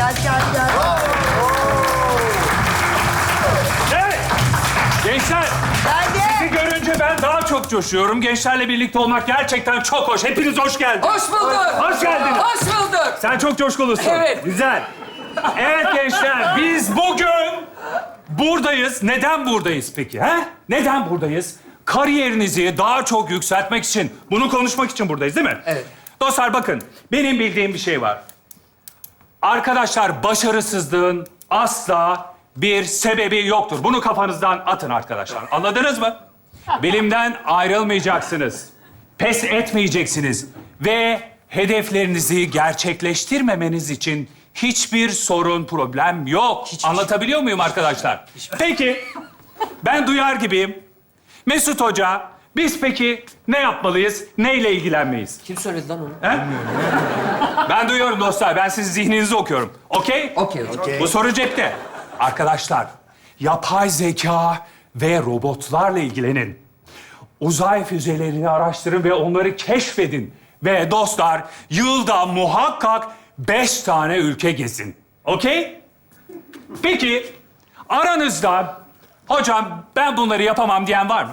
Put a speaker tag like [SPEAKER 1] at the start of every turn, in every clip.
[SPEAKER 1] gel.
[SPEAKER 2] Evet. Gençler, sizi
[SPEAKER 1] Geldi.
[SPEAKER 2] görünce ben daha çok coşuyorum. Gençlerle birlikte olmak gerçekten çok hoş. Hepiniz hoş geldiniz.
[SPEAKER 3] Hoş bulduk.
[SPEAKER 2] Hoş geldiniz.
[SPEAKER 3] Hoş bulduk.
[SPEAKER 2] Sen çok coşkulusun.
[SPEAKER 3] Evet.
[SPEAKER 2] Güzel. Evet gençler, biz bugün buradayız. Neden buradayız peki? He? Neden buradayız? Kariyerinizi daha çok yükseltmek için, bunu konuşmak için buradayız değil mi?
[SPEAKER 3] Evet.
[SPEAKER 2] Dostlar bakın, benim bildiğim bir şey var. Arkadaşlar, başarısızlığın asla bir sebebi yoktur. Bunu kafanızdan atın arkadaşlar. Anladınız mı? Bilimden ayrılmayacaksınız. Pes etmeyeceksiniz. Ve hedeflerinizi gerçekleştirmemeniz için hiçbir sorun, problem yok. Anlatabiliyor muyum arkadaşlar? Peki, ben duyar gibiyim. Mesut Hoca, biz peki ne yapmalıyız? Neyle ilgilenmeyiz?
[SPEAKER 3] Kim söyledi lan onu?
[SPEAKER 2] He? Ben duyuyorum dostlar. Ben sizin zihninizi okuyorum. Okey?
[SPEAKER 3] Okey.
[SPEAKER 2] Bu soru cepte. Arkadaşlar, yapay zeka ve robotlarla ilgilenin. Uzay füzelerini araştırın ve onları keşfedin. Ve dostlar, yılda muhakkak 5 tane ülke gezin. Okey? Peki, aranızda hocam ben bunları yapamam diyen var mı?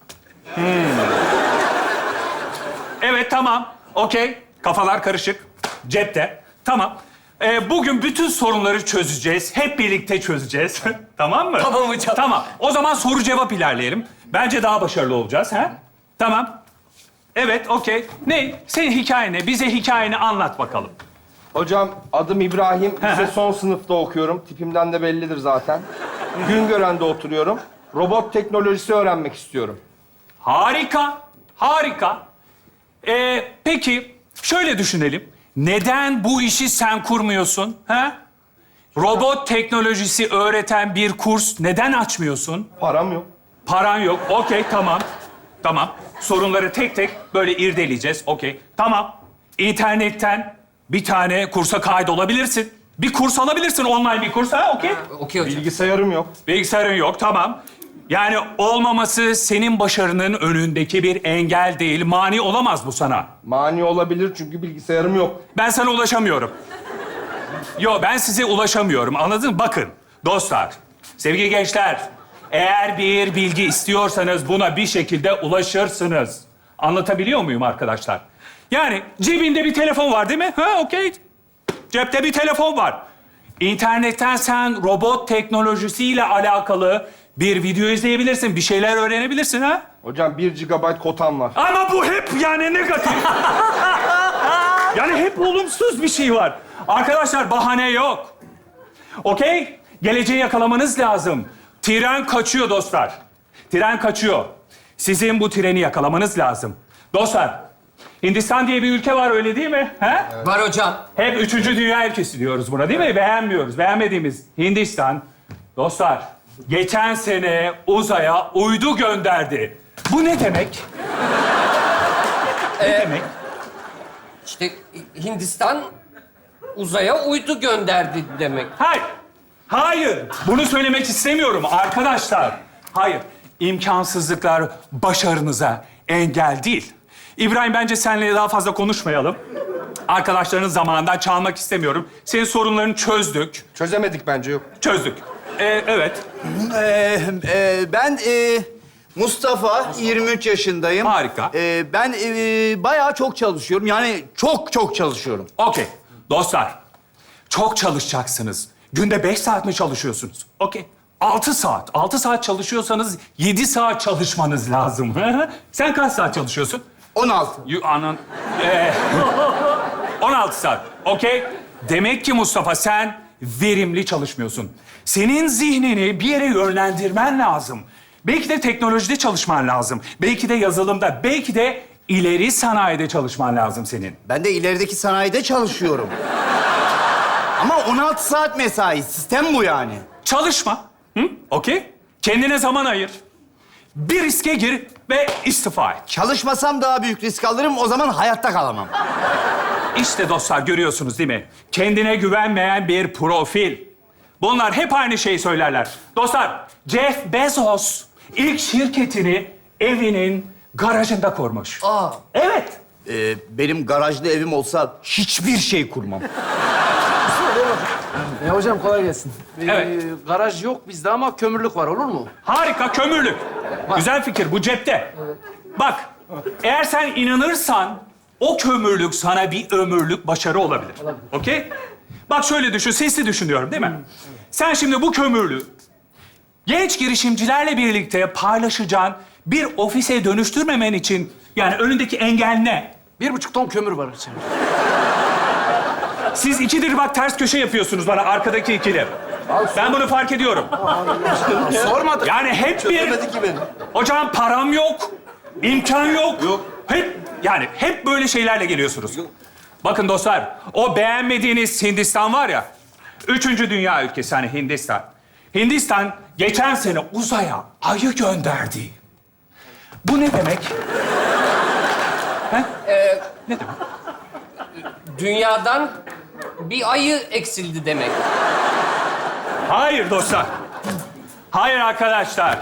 [SPEAKER 2] Evet, tamam. Okey. Kafalar karışık. Cepte. Tamam. Bugün bütün sorunları çözeceğiz. Hep birlikte çözeceğiz. Tamam mı?
[SPEAKER 3] Tamam hocam.
[SPEAKER 2] Tamam. O zaman soru cevap ilerleyelim. Bence daha başarılı olacağız. Ha? Tamam. Evet, okey. Ne? Senin hikayen ne? Bize hikayeni anlat bakalım.
[SPEAKER 4] Hocam adım İbrahim. Lise son sınıfta okuyorum. Tipimden de bellidir zaten. Güngören'de oturuyorum. Robot teknolojisi öğrenmek istiyorum.
[SPEAKER 2] Harika. Harika. Peki, şöyle düşünelim. Neden bu işi sen kurmuyorsun? Ha? Robot teknolojisi öğreten bir kurs neden açmıyorsun?
[SPEAKER 4] Param yok.
[SPEAKER 2] Paran yok. Okey, tamam. Tamam. Sorunları tek tek böyle irdeleyeceğiz. Okey. Tamam. İnternetten bir tane kursa kaydolabilirsin. Bir kurs alabilirsin, online bir kurs. Ha, okey.
[SPEAKER 3] Okey hocam.
[SPEAKER 4] Bilgisayarım yok.
[SPEAKER 2] Bilgisayarın yok, tamam. Yani olmaması senin başarının önündeki bir engel değil. Mani olamaz bu sana.
[SPEAKER 4] Mani olabilir çünkü bilgisayarım yok.
[SPEAKER 2] Ben sana ulaşamıyorum. Ben size ulaşamıyorum. Anladın mı? Bakın dostlar, sevgili gençler, eğer bir bilgi istiyorsanız buna bir şekilde ulaşırsınız. Anlatabiliyor muyum arkadaşlar? Yani cebinde bir telefon var değil mi? Ha, okey. Cepte bir telefon var. İnternetten sen robot teknolojisiyle alakalı bir video izleyebilirsin, bir şeyler öğrenebilirsin ha?
[SPEAKER 4] Hocam 1 GB kotam var.
[SPEAKER 2] Ama bu hep yani negatif. Yani hep olumsuz bir şey var. Arkadaşlar bahane yok. Okey? Geleceği yakalamanız lazım. Tren kaçıyor dostlar. Tren kaçıyor. Sizin bu treni yakalamanız lazım. Dostlar, Hindistan diye bir ülke var öyle değil mi? He?
[SPEAKER 3] Var hocam.
[SPEAKER 2] Hep 3. dünya ülkesi diyoruz buna değil mi? Beğenmiyoruz. Beğenmediğimiz Hindistan. Dostlar, geçen sene uzaya uydu gönderdi. Bu ne demek? Ne demek?
[SPEAKER 3] İşte Hindistan uzaya uydu gönderdi demek.
[SPEAKER 2] Hayır. Hayır. Bunu söylemek istemiyorum arkadaşlar. Hayır. İmkansızlıklar başarınıza engel değil. İbrahim, bence seninle daha fazla konuşmayalım. Arkadaşlarının zamanından çalmak istemiyorum. Senin sorunlarını çözdük.
[SPEAKER 4] Çözemedik bence yok.
[SPEAKER 2] Çözdük. Evet.
[SPEAKER 5] Ben Mustafa, 23 yaşındayım.
[SPEAKER 2] Harika.
[SPEAKER 5] Ben bayağı çok çalışıyorum. Yani çok çalışıyorum.
[SPEAKER 2] Okey. Dostlar, çok çalışacaksınız. Günde 5 saat mi çalışıyorsunuz? Okey. 6 saat. 6 saat çalışıyorsanız 7 saat çalışmanız lazım. Sen kaç saat çalışıyorsun?
[SPEAKER 5] 16.
[SPEAKER 2] 16 saat. Okey. Demek ki Mustafa sen verimli çalışmıyorsun. Senin zihnini bir yere yönlendirmen lazım. Belki de teknolojide çalışman lazım. Belki de yazılımda, belki de ileri sanayide çalışman lazım senin.
[SPEAKER 5] Ben de ilerideki sanayide çalışıyorum. Ama 16 saat mesai. Sistem bu yani.
[SPEAKER 2] Çalışma. Hı? Okey. Kendine zaman ayır. Bir riske gir ve istifa et.
[SPEAKER 5] Çalışmasam daha büyük risk alırım. O zaman hayatta kalamam.
[SPEAKER 2] İşte dostlar, görüyorsunuz değil mi? Kendine güvenmeyen bir profil. Bunlar hep aynı şeyi söylerler. Dostlar, Jeff Bezos ilk şirketini evinin garajında kurmuş. Evet.
[SPEAKER 5] Benim garajlı evim olsa hiçbir şey kurmam.
[SPEAKER 1] Hocam kolay gelsin.
[SPEAKER 2] Evet.
[SPEAKER 1] Garaj yok bizde ama kömürlük var, olur mu?
[SPEAKER 2] Harika, kömürlük. Güzel fikir, bu cepte. Bak, eğer sen inanırsan o kömürlük sana bir ömürlük başarı olabilir. Okey? Bak şöyle düşün, sesli düşünüyorum değil mi? Sen şimdi bu kömürlüğü genç girişimcilerle birlikte paylaşacağın bir ofise dönüştürmemen için yani önündeki engel ne?
[SPEAKER 1] 1,5 ton kömür var içeride.
[SPEAKER 2] Siz ikidir bak ters köşe yapıyorsunuz bana arkadaki ikili. Ben bunu fark ediyorum.
[SPEAKER 1] Sormadık.
[SPEAKER 2] Yani hep bir... Hocam param yok, imkan yok. Yok. Hep böyle şeylerle geliyorsunuz. Bakın dostlar, o beğenmediğiniz Hindistan var ya, 3. dünya ülkesi hani Hindistan. Hindistan geçen sene uzaya ayı gönderdi. Bu ne demek? He? Ne demek?
[SPEAKER 3] Dünyadan bir ayı eksildi demek.
[SPEAKER 2] Hayır dostlar. Hayır arkadaşlar.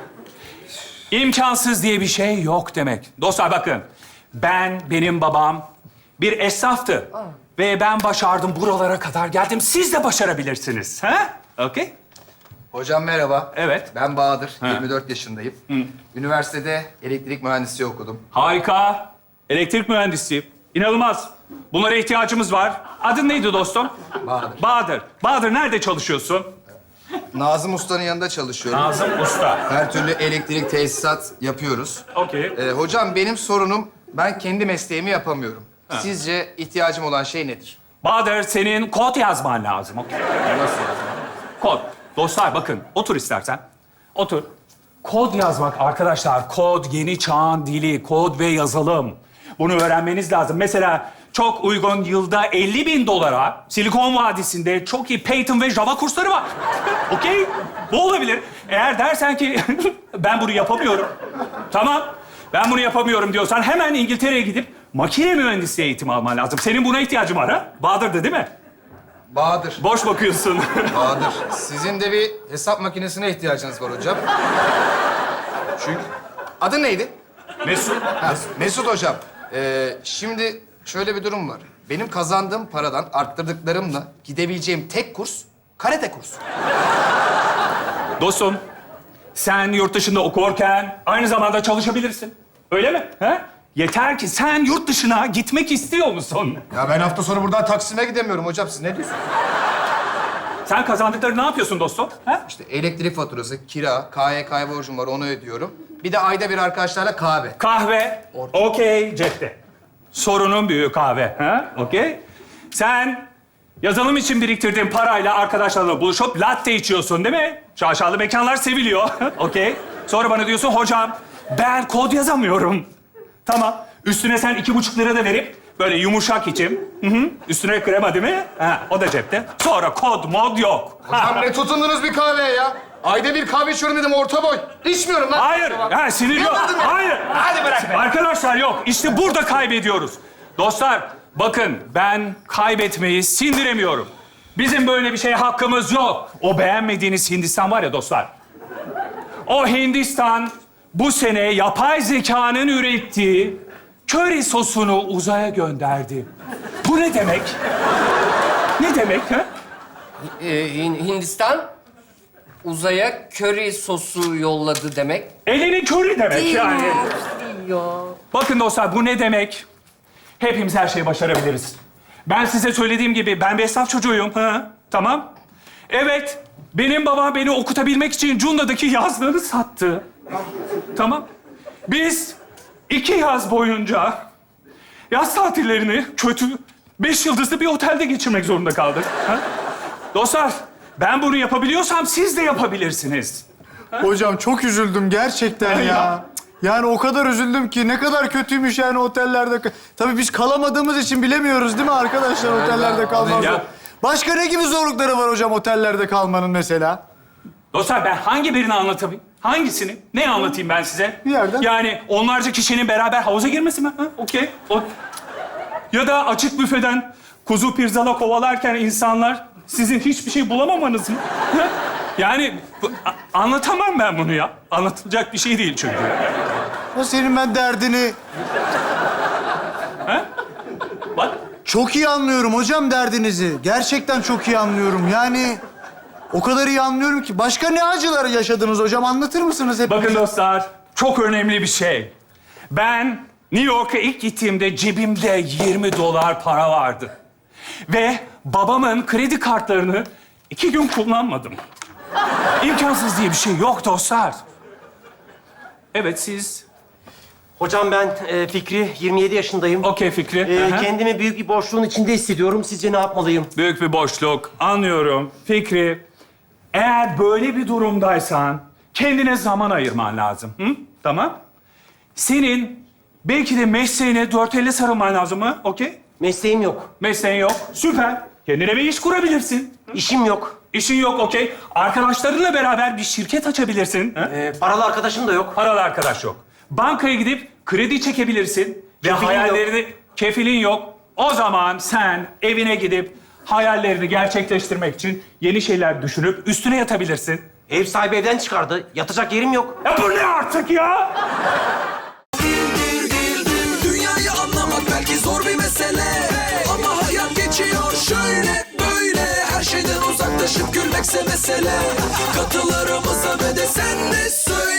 [SPEAKER 2] İmkansız diye bir şey yok demek. Dostlar bakın. Benim babam bir esnaftı. Ve ben başardım, buralara kadar geldim. Siz de başarabilirsiniz. Ha? Okey?
[SPEAKER 6] Hocam merhaba.
[SPEAKER 2] Evet.
[SPEAKER 6] Ben Bahadır, 24 yaşındayım. Üniversitede elektrik mühendisliği okudum.
[SPEAKER 2] Harika. Elektrik mühendisi. İnanılmaz. Bunlara ihtiyacımız var. Adın neydi dostum?
[SPEAKER 6] Bahadır.
[SPEAKER 2] Bahadır. Bahadır nerede çalışıyorsun?
[SPEAKER 6] Nazım Usta'nın yanında çalışıyorum.
[SPEAKER 2] Nazım Usta.
[SPEAKER 6] Her türlü elektrik tesisat yapıyoruz.
[SPEAKER 2] Okey.
[SPEAKER 6] Hocam benim sorunum, ben kendi mesleğimi yapamıyorum. Sizce ihtiyacım olan şey nedir?
[SPEAKER 2] Bahadır senin kod yazman lazım. Okey.
[SPEAKER 6] Nasıl yani?
[SPEAKER 2] Kod. Dostlar bakın, otur istersen. Otur. Kod yazmak arkadaşlar, kod yeni çağın dili, kod ve yazılım. Bunu öğrenmeniz lazım. Mesela çok uygun yılda 50.000 dolara Silikon Vadisi'nde çok iyi Python ve Java kursları var. Okey? Bu olabilir. Eğer dersen ki ben bunu yapamıyorum. Tamam. Ben bunu yapamıyorum diyorsan hemen İngiltere'ye gidip makine mühendisliği eğitimi alman lazım. Senin buna ihtiyacın var ha? Bahadır'dı değil mi?
[SPEAKER 6] Bahadır.
[SPEAKER 2] Boş bakıyorsun.
[SPEAKER 6] Bahadır. Sizin de bir hesap makinesine ihtiyacınız var hocam. Çünkü... Adın neydi?
[SPEAKER 2] Mesut.
[SPEAKER 6] Ha, Mesut hocam. Şimdi şöyle bir durum var. Benim kazandığım paradan arttırdıklarımla gidebileceğim tek kurs karate kursu.
[SPEAKER 2] Dostum, sen yurt dışında okurken aynı zamanda çalışabilirsin. Öyle mi? He? Yeter ki sen yurt dışına gitmek istiyor musun?
[SPEAKER 6] Ya ben hafta sonu buradan Taksim'e gidemiyorum hocam. Siz ne diyorsunuz?
[SPEAKER 2] Sen kazandıkları ne yapıyorsun dostum? He?
[SPEAKER 6] İşte elektrik faturası, kira, KYK borcum var onu ödüyorum. Bir de ayda bir arkadaşlarla kahve.
[SPEAKER 2] Kahve. Okey, cepte. Sorunun büyüğü kahve. Ha? Okey. Sen yazılım için biriktirdiğin parayla arkadaşlarla buluşup latte içiyorsun değil mi? Şaşalı mekanlar seviliyor. Okey. Sonra bana diyorsun hocam ben kod yazamıyorum. Tamam. Üstüne sen 2,5 lira da verip böyle yumuşak içim. Hı hı. Üstüne krema değil mi? Ha, o da cepte. Sonra kod mod yok.
[SPEAKER 6] Hocam ne tutundunuz bir kahveye ya? Ayda bir kahve içiyorum dedim orta boy. İçmiyorum lan.
[SPEAKER 2] Hayır. Ha, sinir yok.
[SPEAKER 6] Yapmadın mı?
[SPEAKER 2] Hayır.
[SPEAKER 6] Hadi bırak be.
[SPEAKER 2] Arkadaşlar yok. İşte burada kaybediyoruz. Dostlar bakın ben kaybetmeyi sindiremiyorum. Bizim böyle bir şeye hakkımız yok. O beğenmediğiniz Hindistan var ya dostlar. O Hindistan bu sene yapay zekanın ürettiği köri sosunu uzaya gönderdi. Bu ne demek? Ne demek ha?
[SPEAKER 3] Hindistan uzaya köri sosu yolladı demek.
[SPEAKER 2] Elinin körü demek yani. Bakın dostlar bu ne demek? Hepimiz her şeyi başarabiliriz. Ben size söylediğim gibi ben bir esnaf çocuğuyum. Ha? Tamam. Evet. Benim babam beni okutabilmek için Cunda'daki yazlığını sattı. Tamam. Biz 2 yaz boyunca yaz tatillerini kötü 5 yıldızlı bir otelde geçirmek zorunda kaldık. Ha? Dostlar ben bunu yapabiliyorsam siz de yapabilirsiniz.
[SPEAKER 7] Hocam çok üzüldüm gerçekten ya. Yani o kadar üzüldüm ki ne kadar kötüymüş yani otellerde. Tabii biz kalamadığımız için bilemiyoruz değil mi arkadaşlar otellerde kalmak.
[SPEAKER 2] Ya.
[SPEAKER 7] Başka ne gibi zorlukları var hocam otellerde kalmanın mesela?
[SPEAKER 2] Dostlar ben hangi birini anlatayım? Hangisini? Ne anlatayım ben size?
[SPEAKER 7] Bir yerden.
[SPEAKER 2] Yani onlarca kişinin beraber havuza girmesi mi? Ha? Okey. Ya da açık büfeden kuzu pirzala kovalarken insanlar sizin hiçbir şey bulamamanız mı? Ha? Yani anlatamam ben bunu ya. Anlatılacak bir şey değil çünkü.
[SPEAKER 7] O senin ben derdini...
[SPEAKER 2] Ha? Bak
[SPEAKER 7] Çok iyi anlıyorum hocam derdinizi. Gerçekten çok iyi anlıyorum. Yani o kadar iyi anlıyorum ki. Başka ne acılar yaşadınız hocam? Anlatır mısınız hep?
[SPEAKER 2] Bakın dostlar, çok önemli bir şey. Ben New York'a ilk gittiğimde cebimde $20 para vardı. Ve babamın kredi kartlarını 2 gün kullanmadım. İmkansız diye bir şey yok dostlar. Evet, siz...
[SPEAKER 8] Hocam ben Fikri, 27 yaşındayım.
[SPEAKER 2] Okey Fikri. Aha.
[SPEAKER 8] Kendimi büyük bir boşluğun içinde hissediyorum. Sizce ne yapmalıyım?
[SPEAKER 2] Büyük bir boşluk. Anlıyorum. Fikri, eğer böyle bir durumdaysan kendine zaman ayırman lazım. Hı? Tamam. Senin belki de mesleğine 450 sarılman lazım mı? Okey.
[SPEAKER 8] Mesleğim yok.
[SPEAKER 2] Mesleğin yok. Süper. Kendine bir iş kurabilirsin.
[SPEAKER 8] İşim yok.
[SPEAKER 2] İşin yok, okey. Arkadaşlarınla beraber bir şirket açabilirsin. Ha?
[SPEAKER 8] Paralı arkadaşım da yok.
[SPEAKER 2] Paralı arkadaş yok. Bankaya gidip kredi çekebilirsin. Ve
[SPEAKER 8] Kefilim
[SPEAKER 2] hayallerini... Kefilin yok. O zaman sen evine gidip hayallerini gerçekleştirmek için yeni şeyler düşünüp üstüne yatabilirsin.
[SPEAKER 8] Ev sahibi evden çıkardı. Yatacak yerim yok.
[SPEAKER 2] Ya bu ne artık ya?
[SPEAKER 9] Dünyayı anlamak belki zor bir mesele, ama hayat geçiyor şöyle böyle. Her şeyden uzaklaşıp gülmekse mesele. Katılarımıza ve de sen de söyle.